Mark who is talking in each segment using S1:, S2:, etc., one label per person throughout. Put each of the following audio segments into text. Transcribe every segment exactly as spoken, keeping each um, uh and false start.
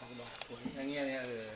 S1: อกดอกสวยอย่างเงี้ยเนี่ยเออ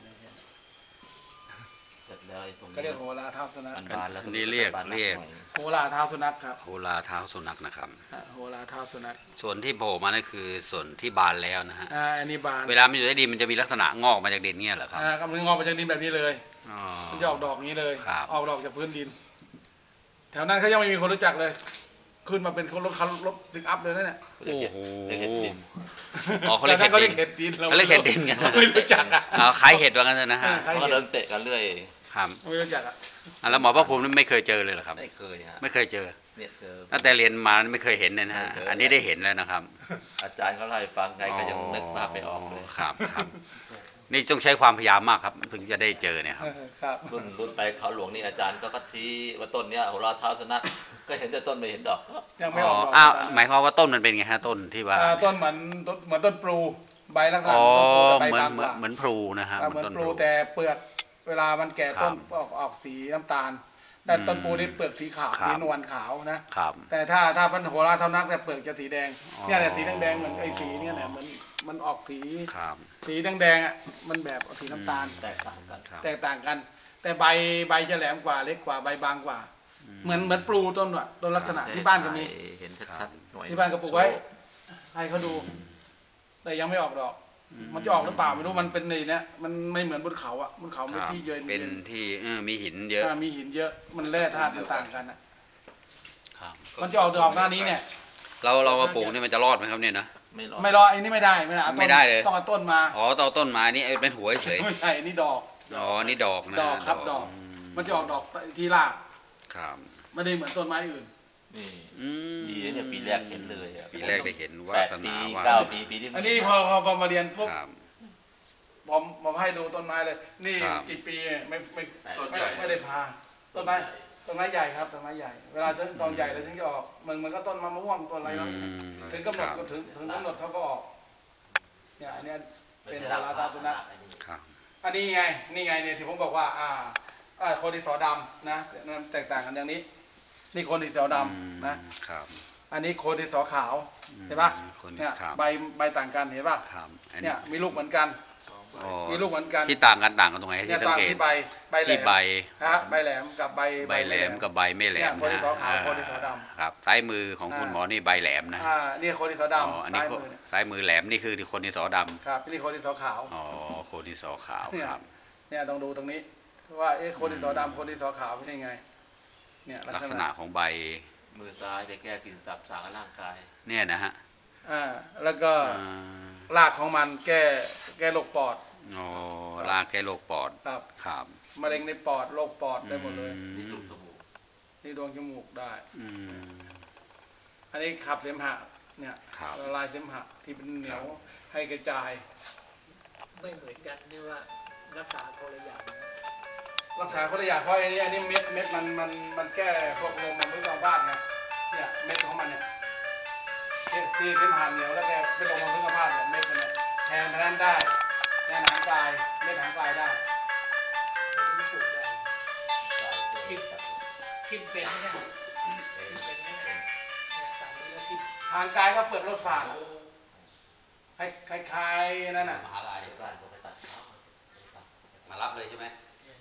S2: เสร็จแล้วไอ้ตรงนี้
S1: ก็เรียกโหราเท้าสุนัข
S3: นี่เรียกเรียก
S1: โหราเท้าสุนัขครับ
S3: โหราเท้าสุนัขนะครับ
S1: โหราเท้าสุนัข
S3: ส่วนที่โผล่มานั่นคือส่วนที่บานแล้วนะฮะ
S1: อ่าอันนี้บาน
S3: เวลามันอยู่ในดินมันจะมีลักษณะงอกมาจากดินเงี้ยเหรอครับ
S1: อ่ากำลังงอกมาจากดินแบบนี้เลยมันจะออกดอกนี้เลยออกดอกจากพื้นดินแถวนั้นเขายังไม่มีคนรู้จักเลยขึ้นมาเป็นรถคันรถปิกอัพเลยนั่นแหละ
S3: โอ้โห
S1: อ๋อเขาเรียกเขาเรียกเห็ดดิน
S3: เขาเรียกเห็ดดินกัน
S1: ไม่รู้จักอ่ะ
S3: ขายเห็ดว่างั้นนะฮะ
S2: เขาเริ่มเตะกันเรื่อย
S3: ครับ
S1: ไม่รู้จักอ่ะ
S3: แล้วหมอพระภูมิไม่เคยเจอเลยเหรอครับ
S2: ไม่เคยฮะ
S3: ไม่เคยเจอ
S2: เนี่ยเจอ
S3: ตั้งแต่เรียนมาไม่เคยเห็นเลยนะฮะอันนี้ได้เห็นแล้วนะครับ
S2: อาจารย์เขาเล่าให้ฟังไงก็ยังนึกภาพไม่ออกเลย
S3: ครับครับนี่ต้องใช้ความพยายามมากครับถึงจะได้เจอเนี่ย
S1: ครับ
S2: รุ่นรุ่นไปเขาหลวงนี่อาจารย์ก็ก็ชี้ว่าต้นเนี้ยโหราเท้าสุนัขก็เห็นแต่ต้นไม่เห็นดอก
S1: ยังไม่ออก
S3: อ้าวหมายความว่าต้นมันเป็นไงฮะต้นที่ว่า
S1: ต้นเหมือนเหมือนต้นปลูใบลักษณะ
S3: ใบบางกว่าเหมือนพลูนะฮะ
S1: เหมือนปลูแต่เปลือกเวลามันแก่ต้นออกออกสีน้ำตาลแต่ต้นปูนี่เปลือกสีขาวสีนวลขาวนะครับแต่ถ้าถ้าพันโหราเท่านักแต่เปลือกจะสีแดงเนี่ยเนี่ยสีแดงๆเหมือนไอ้สีเนี่ยเนี่ยเหมือนมันออกสีสีแดงๆอ่ะมันแบบสีน้ำตาล
S2: แตกต่างกัน
S1: แตกต่างกันแต่ใบใบจะแหลมกว่าเล็กกว่าใบบางกว่าเหมือนเหมือนปลูต้นว่ะต้นลักษณะที่บ้านก็มี
S2: เห็นชัดๆ
S1: ที่บ้านก็ปลูกไว้ให้เขาดูแต่ยังไม่ออกดอกมันจะออกหรือเปล่าไม่รู้มันเป็นในเนี้ยมันไม่เหมือนบนเขาอ่ะบนเขาไม่ที่เยอะ
S3: เป็นที่มีหินเยอะ
S1: มีหินเยอะมันแร่ธาตุต่างกันอ่ะมันจะออกดอกหน้านี้เนี่ย
S3: เราเรามาปลูกนี่มันจะรอดไหมครับเนี่ยนะ
S2: ไม่รอด
S1: ไม่รอดอันนี้ไม่ได้ไม่ได้
S3: ไม่ได้เลย
S1: ต้องเอาต้นมา
S3: อ๋อต้องต้นมานี่เป็นหัวเฉย
S1: ไม่ใช่อันนี้ดอก
S3: อ๋อนี่ดอกนะ
S1: ดอกครับดอกมันจะออกดอกที่ราก
S3: ครับ
S1: ไม่ได้เหมือนต้นไม้อื่น
S2: นี่ดีเนี่ยปีแรกเห็นเลย
S3: ปีแรกได้เห็นว่าสนาว่า
S2: เก้าปีปีที่
S1: อันนี้พอพอมาเรียนปุ๊บผมผมให้ดูต้นไม้เลยนี่กี่ปีไม่ไม่ไม่ไม่ได้พาต้นไม้ต้นไม้ใหญ่ครับต้นไม้ใหญ่เวลาตอนใหญ่เลยถึงจะออกมันมันก็ต้นมะม่วงต้นอะไรแล้วถึงกำหนดก็ถึงถึงกำหนดเขาก็ออกเนี่ยอันนี้เป็นโหราเท้าสุนัขอันนี้ไงนี่ไงเนี่ยที่ผมบอกว่าอ่าอ่าโคดินสอดำนะแตกต่างกันอย่างนี้นี่โคดินสอดำนะครับอันนี้โคดินสอขาวเห็นปะเนี่ยใบใบต่างกันเห็นปะเนี่ยมีลูกเหมือนกันมีลูกเหมือนกัน
S3: ที่ต่างกันต่างกันตรงไหนที่สังเกต
S1: ที่ใบใบแหลม
S3: ใบ
S1: ฮะใบแหลมกับใบ
S3: ใบแหลมกับใบไม่แหลม
S1: โคดินสอขาวโคดินสอดำ
S3: ครับซ้ายมือของคุณหมอนี่ใบแหลมนะ
S1: อ่านี่โคดินสอด
S3: ำอันนี้ซ้ายมือแหลมนี่คือโคดินสอดำ
S1: ครับนี่โคดินสอขาว
S3: อ๋อโคดินสอขาวครับ
S1: เนี่ยต้องดูตรงนี้ว่าเอ๊ะโคดินสอดำโคดินสอขาวเป็นยังไงเนี่ย
S3: ลักษณะของใบ
S2: มือซ้ายไปแก้กลิ่นสับสารร่างกาย
S3: เนี่ยนะฮะ
S1: อ่าแล้วก็รากของมันแก้แก้โรคปอด
S3: อ๋อรากแก้โรคปอด
S1: ครับ
S3: ครับ
S1: มะเร็งในปอดโรคปอดได้หมดเลย
S2: นี่ดวงจมูก
S1: นี่ดวงจมูกได้อันนี้ขับเสมหะเนี่ยละลายเสมหะที่เป็นเหนียวให้กระจาย
S4: ไม่เหมือนกันนี่ว่ารักษาคนละอย่าง
S1: รักษาคนละอย่างเพราะอันนี้อันนี้เม็ดเม็ดมันมันมันแก้พวกลมมันพื้นบ้านไงเนี่ยเม็ดของมันเนี่ยที่เสมหะเหนียวแล้วแกเป็นลมมันพื้นบ้านเนี่ยเม็ดมันเนี่ยแทนแทนได้แทนหางกายเม็ดหางกายได้
S4: คิดคิดเป็นไหมคิดเป็นไหม
S1: หางกายก็เปลือกรถฝาดคล้ายๆนั่นน่ะ
S2: มหาลัยบ้านผมไปตัด
S3: มารับเลยใช่ไหม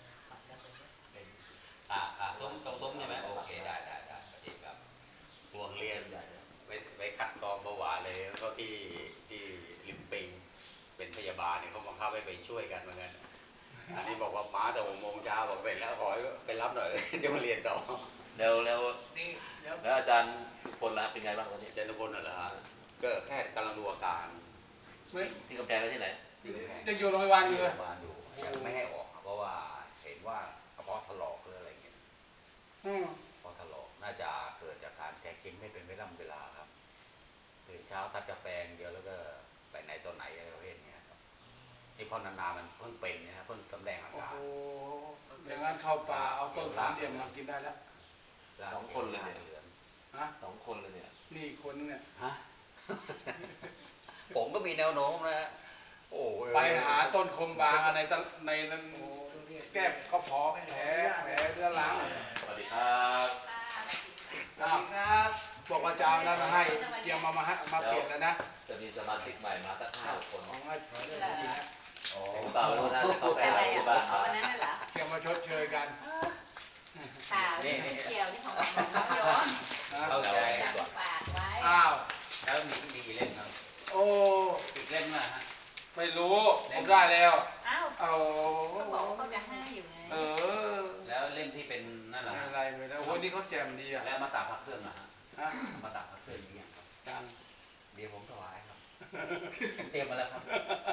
S3: อ่าอ่าซุ้มตรงซุ้มใช่ไหมโอเคได้ได้ได้ดีครับช่วงเรียนไปไปคัดกรองเบาหวานเลยแล้วก็ที่ที่ริมปิงเป็นพยาบาลเนี่ยเขาบังคับให้ไปช่วยกันเหมือนกันอันนี้บอกว่ามาแต่หกโมงเช้าบอกเสร็จแล้วขอไปรับหน่อยเดี๋ยวมาเรียนต่อ
S2: แล้วแล้วนี่แล้วอาจารย์ทุกคนละเป็นไงบ้างตอนนี้
S3: อาจารย์ทุกคนเหรอฮะก็แค่กำลังดูอาการ
S2: ที่กำแพงแล้วที่ไหน
S1: ยังอยู่โรงพยาบาลอยู่เลย
S3: ยังไม่ให้ออกเพราะว่าเห็นว่ากระเพาะถลอกหรืออะไรเงี้ยกระเพาะถลอกน่าจะเกิดจากการแกกินไม่เป็นเวลาเวลาครับตื่นเช้าทัดกาแฟเยอะแล้วก็ไปไหนตอนไหนอะไรประเภทนี้ครับที่พอนานๆมันเพิ่งเป็นนะเพิ่งสำแดงอาการ
S1: โอ้อย่างนั้นเข้าป่าเอาต้นสามเหลี่ยมมากินได้แล้ว
S2: สองคนเลยเนี่ยฮะสองคนเลยเนี่ย
S1: นี่คนเนี่ย
S3: ฮะผมก็มีแนวโน้มนะโอ้
S1: ไปหาต้นคมบางในในนั้นแก้กระเพาะแผลแผลเรื้อรัง
S2: สวัสดีครับ
S1: สวัสดีครับบอกว่าจะเอาแล้วมาให้เตรียมมามามาเปลี่ยนแล้วนะ
S2: จะมีสมาชิกใหม่มาตั้งห้าคน
S1: ของอาจารย์ดีนะ
S3: โอ้
S2: เปล่าไม่รู้นะแต่เขาไป
S5: อะไร
S2: หาที่
S5: อ่ะ
S2: บ้าน
S5: เอาอันนั้นน่ะเหรอ
S1: แกมาชดเชยกัน
S5: ข่าวนี่ไม่เกี่ยวนี่ของของเขาโยม
S3: เข้าใจ
S5: อาจารย์ก็ฝากไว้
S1: อ้าว
S3: แล้วมีก็ดีเล่นครับ
S1: โอ้
S3: อีกเล่นมาฮะ
S1: ไม่รู้ผมได้แล้ว
S5: อ้าว
S1: เอา
S5: เขาบอกว่าเขาจะให้อยู่ไง
S1: เออ
S3: แล้วเล่มที่เป็นนั่นแห
S1: ไม่
S3: ละ
S1: เป็นไรไม่ได้โอ้ยนี่เขาแจ่มดีอ่ะ
S3: แล้วมาตากพักเครื่องนะฮะ
S1: ฮะ
S3: มาตากพักเครื่องนี้ยังครับ
S1: จัง
S3: เดี๋ยวผมถวายครับผมเตรียมมาแล้วครับ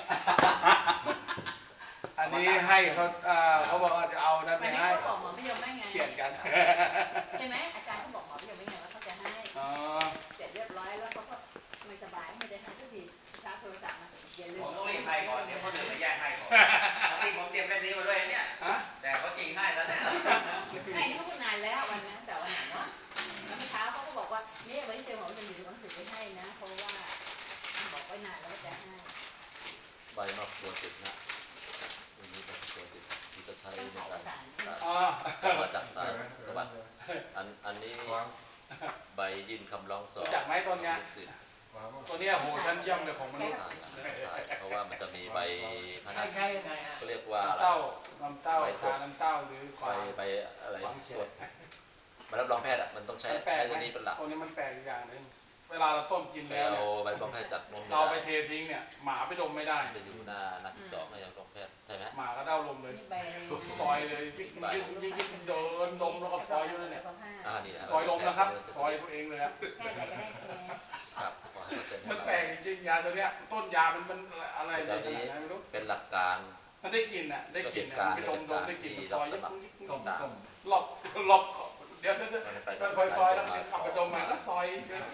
S1: อันนี้ให้เขาอ่าเขาบอกว่าจะเอานั่นไป
S5: วันนี้
S1: ให้
S5: เขาบอกหมอไม่ยอมไม่ไง
S1: เขียนกัน
S5: ใช่ไหมอาจารย์เขาบอกหมอไม่ยอมไม่ไงว่าเขาจะให้
S1: อ๋อ
S5: เสร็จเรียบร้อยแล้วเขาก็ไม่สบายไม่ได้ให้สักทีชาร์จโทรศัพท์มาอย่าลืม
S3: ผมต้องรีบให้ก่อน เดี๋ยวคนอื่นมาแย่งให้ก่อนจริงผมเตรียมเล่มนี้มาด้วยเนี่ย
S1: ฮะ
S3: แต่เขาจริงให้แล้วเนี่ย
S5: ไอ้นี่เขาพูดนานแล้ววันนั้นแต่วันไหนเนาะแล้วเมื่อเช้าเขาก็บอกว่าเนี่ยวันที่เจอหมอจะมีหนังสือไปให้นะ เพราะว่าบอกไว้นานแล้วว่าจะให้
S2: ใบนอกตัวติดนะอันนี้เป็นตัวติดที่จะใช้ในการ
S1: อ๋อ
S2: มาจากสายสวัสดิ์อันอันนี้ใบยื่นคำร้องสอบ
S1: รู้จักไหมต้นเนี้ย
S2: ลูกศิษย์
S1: ตัวเนี้ยโหชั้นเยี่ยมเลยของมนุษย์
S2: อ่านอ่านเพราะว่ามันจะมีใบพนั
S4: ใช่
S2: ก
S4: ใช่ยังไงอ่ะ
S2: เขาเรียกว่าอะไร
S1: น้ำเต้าน้ำเต้าชาน้ำเต้าหรือค
S2: ใบ
S1: วาม
S2: ใบอะไร
S1: ความเฉ
S2: ตรวจใบรับรองแพทย์อ่ะมันต้องใช้
S1: มันแปล
S2: ใช้
S1: ก
S2: ตัว
S1: ไหม
S2: นี้เป็นหลัก
S1: ตัวนี้มันแปลกอีกอย่างหนึงเวลาเราต้มกิน
S2: ไป
S1: แล้ว
S2: เอา
S1: เนี่ย
S2: ใบรับรองแพทย์จากนมไม่
S1: เราไป
S2: ได้
S1: เททิ้งเนี่ยหมาไปดมไม่ได้
S2: จะอยู่หน้าหน้าที่สองในรับรองแพทย์ใช่ไหม
S1: หมาก็เด้าลมเลย
S5: นี่ใบอะไรนะ
S1: ซอยเลยยิ่งยิ่งยิ่งยิ่งเดินดมแล้วก็ซอยอยู่นั่นเนี่ย
S2: อ่านี่นะ
S1: ซอยลมนะครับซอยตัวเองเลยอะ
S5: แค่ไหนก็ได้ใช่ไหม
S2: ครับขอให้เขาเซ็นให้
S1: มัน
S2: เรา
S1: แปลกจริงๆยาตัวเนี้ยต้นยามันมันอะไร
S2: ต
S1: ใน
S2: อน
S1: ข
S2: นี้
S1: นาดไหนไม่รู้
S2: เป็นหลักการ
S1: มันได้กลิ่นอ่ะได้กลิ่นอ่ะไปดมดมได้กลิ่นมันซอยยิ่งยิ่งยิ่ง
S2: ต้มต้ม
S1: หลบหลบเดี๋ยวเดี๋ยวเดี๋ยวมันซอยซอยแล้วมันขับไปดมมาแล้วซอย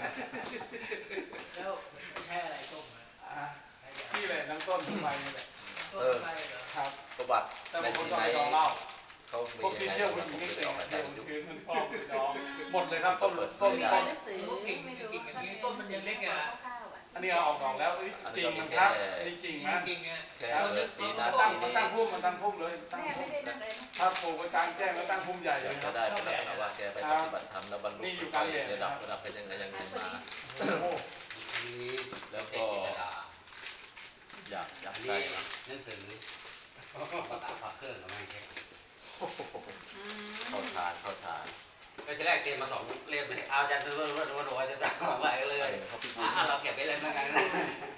S4: แล้วใช้อะไรต้มอ่ะ
S1: อ่ะนี่แหละน้ำต้นทำไมนี่แหละ
S4: ต้มไปเหรอ
S1: ครับ
S2: ประวัติ
S1: แต่
S2: ใน
S1: บางคน
S2: ที่
S1: ต้อง
S2: ไหน
S1: ไปดองเหล้า
S2: เขามี
S1: พวกที่
S2: ยังไง
S1: เที่ยว
S2: ผ
S1: ผู้
S2: ม
S1: หญิง
S2: ไม่
S1: นี่
S2: ได้
S1: เต็
S2: อ
S1: ม
S2: อกอา
S1: เที่
S2: จาย รย์ยุค
S1: วคืนมันชอบไปดองหมดเลยครับต้นต้น
S5: มี
S1: ต้น
S5: หนังสือไม่รู้
S1: อันนี้เอาออกดอกแล้วเอ้ยจริงมันครับอันนี้จริงนะ
S4: จริงอ่ะ
S2: แค่
S1: มัน
S2: เกิดปีหน้า
S1: ตั้ง
S2: ปี
S1: มัน
S2: นี้
S1: ตั้งพุ่มมันตั้งพุ่มเลยตั้ง
S5: แม่
S1: พุ่
S5: ไม่
S1: ม
S5: ได้นั่งเลยนะ
S1: ถ้าปลูกกระจางแจ้งแล้วตั้งพุ่มใหญ่
S2: อ
S1: เลย
S2: ยาก
S1: ค
S2: จะ
S1: รับ
S2: ได้เป็นลักษณะว่าแกไปปฏิบัติธรรมแล้วบรรลุ
S1: นี่อยู่
S2: ไป
S1: กลางแดด
S2: ระดับ
S1: นะครับ
S2: ระดับเป็นยังไงยังไงมา
S1: โอ้โห
S3: นี้
S2: แล้ว
S3: เด็
S2: ก็
S3: กจิตรดา
S2: อยากอยาก
S3: อัน
S2: ได้
S3: นี้
S2: นะ
S3: หนังสือมาตากพักเครื่องกับไม่ใช่
S2: เข้าทานเข้าทาน
S3: ก็จะแรกเตรียมมาสองเล่มเลยเอาอาจารย์ดูว่าดูว่าดูว่าจะตามมาไปเลย
S2: เขาพิบูล
S3: อ่ะเราเก็บไว้เลยเหมือนกัน